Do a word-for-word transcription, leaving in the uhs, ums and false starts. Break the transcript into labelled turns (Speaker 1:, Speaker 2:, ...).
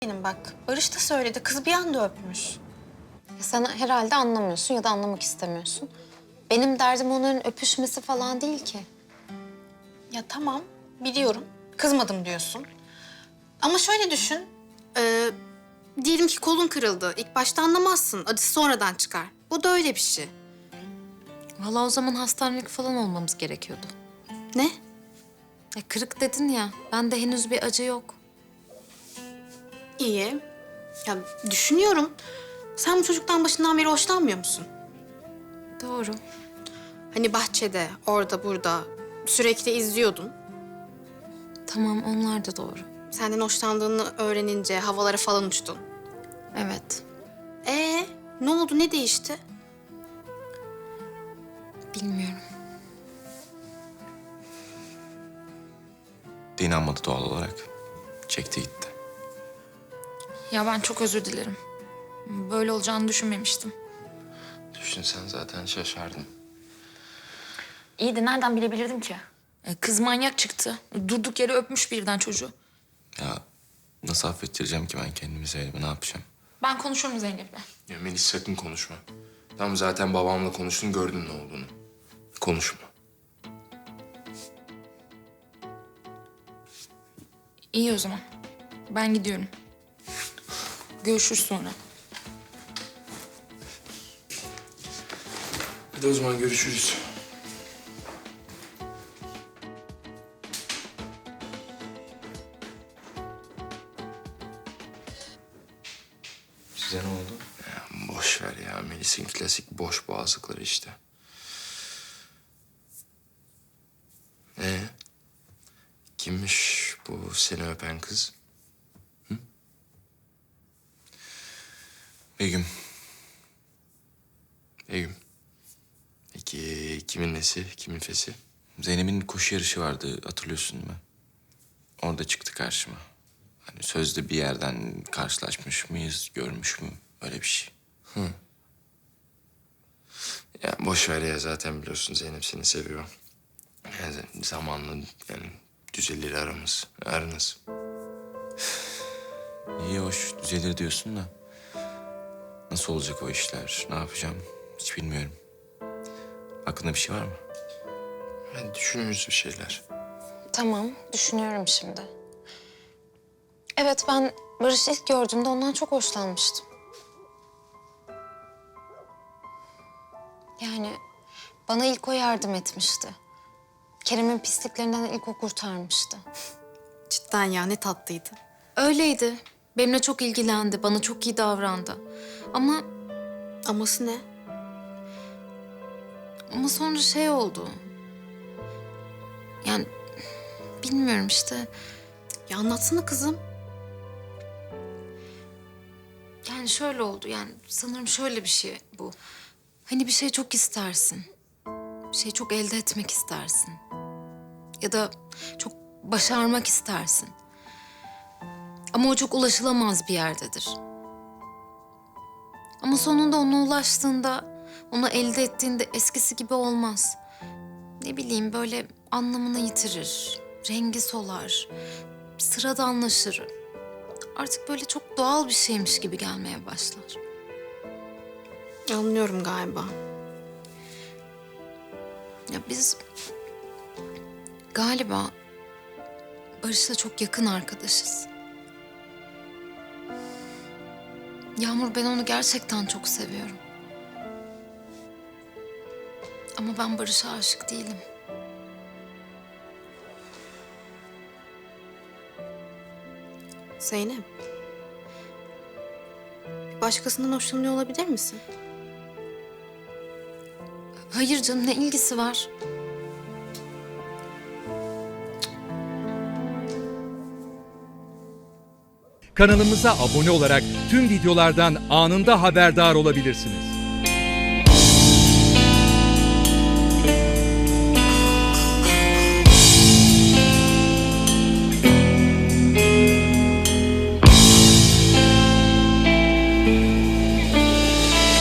Speaker 1: Benim bak, Barış da söyledi. Kız bir anda öpmüş.
Speaker 2: Ya sen herhalde anlamıyorsun ya da anlamak istemiyorsun. Benim derdim onların öpüşmesi falan değil ki.
Speaker 1: Ya tamam, biliyorum. Kızmadım diyorsun. Ama şöyle düşün. Ee, diyelim ki kolun kırıldı. İlk başta anlamazsın. Acısı sonradan çıkar. Bu da öyle bir şey.
Speaker 2: Vallahi o zaman hastanelik falan olmamız gerekiyordu.
Speaker 1: Ne?
Speaker 2: Ya kırık dedin ya, bende henüz bir acı yok.
Speaker 1: İyi. Ya düşünüyorum. Sen bu çocuktan başından beri hoşlanmıyor musun?
Speaker 2: Doğru.
Speaker 1: Hani bahçede, orada, burada sürekli izliyordun.
Speaker 2: Tamam, onlar da doğru.
Speaker 1: Senden hoşlandığını öğrenince havalara falan uçtun.
Speaker 2: Evet,
Speaker 1: Ee, ne oldu? Ne değişti?
Speaker 2: bilmiyorum.
Speaker 3: De inanmadı doğal olarak. Çekti gitti.
Speaker 4: Ya ben çok özür dilerim. Böyle olacağını düşünmemiştim.
Speaker 3: Düşünsen zaten şaşardım.
Speaker 4: İyi de nereden bilebilirdim ki? E, Kız manyak çıktı. Durduk yere öpmüş birden çocuğu.
Speaker 3: Ya nasıl affettireceğim ki ben kendimi Zeynep'e, ne yapacağım?
Speaker 4: Ben konuşurum Zeynep'le.
Speaker 5: Ya Melis sakın konuşma. Tamam zaten babamla konuştun gördün ne olduğunu. Konuşma.
Speaker 4: İyi o zaman. Ben gidiyorum. Görüşürüz sonra.
Speaker 5: Hadi o zaman görüşürüz.
Speaker 3: Size ne oldu?
Speaker 5: Ya boş ver ya Melis'in klasik boş boğazlıkları işte. Ee, kimmiş bu seni öpen kız?
Speaker 3: Begüm.
Speaker 5: Begüm. Peki kimin nesi, kimin fesi?
Speaker 3: Zeynep'in koşu yarışı vardı, hatırlıyorsun değil mi? Orada çıktı karşıma. Hani sözde bir yerden karşılaşmış mıyız, görmüş mü? Öyle bir şey.
Speaker 5: Ya boş ver ya zaten biliyorsun Zeynep seni seviyor. Yani zamanla yani düzelir aramız, aranız.
Speaker 3: İyi hoş düzelir diyorsun da. Nasıl olacak o işler, ne yapacağım hiç bilmiyorum. Aklında bir şey var mı?
Speaker 5: Yani düşünürüz bir şeyler.
Speaker 2: Tamam, düşünüyorum şimdi. Evet, ben Barış'ı ilk gördüğümde ondan çok hoşlanmıştım. Yani bana ilk o yardım etmişti. Kerem'in pisliklerinden ilk o kurtarmıştı.
Speaker 1: Cidden ya, ne tatlıydı.
Speaker 2: Öyleydi. Benimle çok ilgilendi, bana çok iyi davrandı. Ama
Speaker 1: Aması ne?
Speaker 2: ama sonra şey oldu. Yani bilmiyorum işte.
Speaker 1: Ya anlatsana kızım.
Speaker 2: Yani şöyle oldu, yani sanırım şöyle bir şey bu. Hani bir şey çok istersin. Bir şey çok elde etmek istersin. Ya da çok başarmak istersin. Ama o çok ulaşılamaz bir yerdedir. Ama sonunda ona ulaştığında, onu elde ettiğinde eskisi gibi olmaz. Ne bileyim, böyle anlamını yitirir, rengi solar, sıradanlaşır. Artık böyle çok doğal bir şeymiş gibi gelmeye başlar.
Speaker 1: Anlıyorum galiba.
Speaker 2: Ya biz galiba Barış'la çok yakın arkadaşız. Yağmur, ben onu gerçekten çok seviyorum. Ama ben Barış'a aşık değilim.
Speaker 1: Zeynep. Başkasından hoşlanıyor olabilir misin?
Speaker 2: Hayır canım, ne ilgisi var?
Speaker 6: Kanalımıza abone olarak tüm videolardan anında haberdar olabilirsiniz.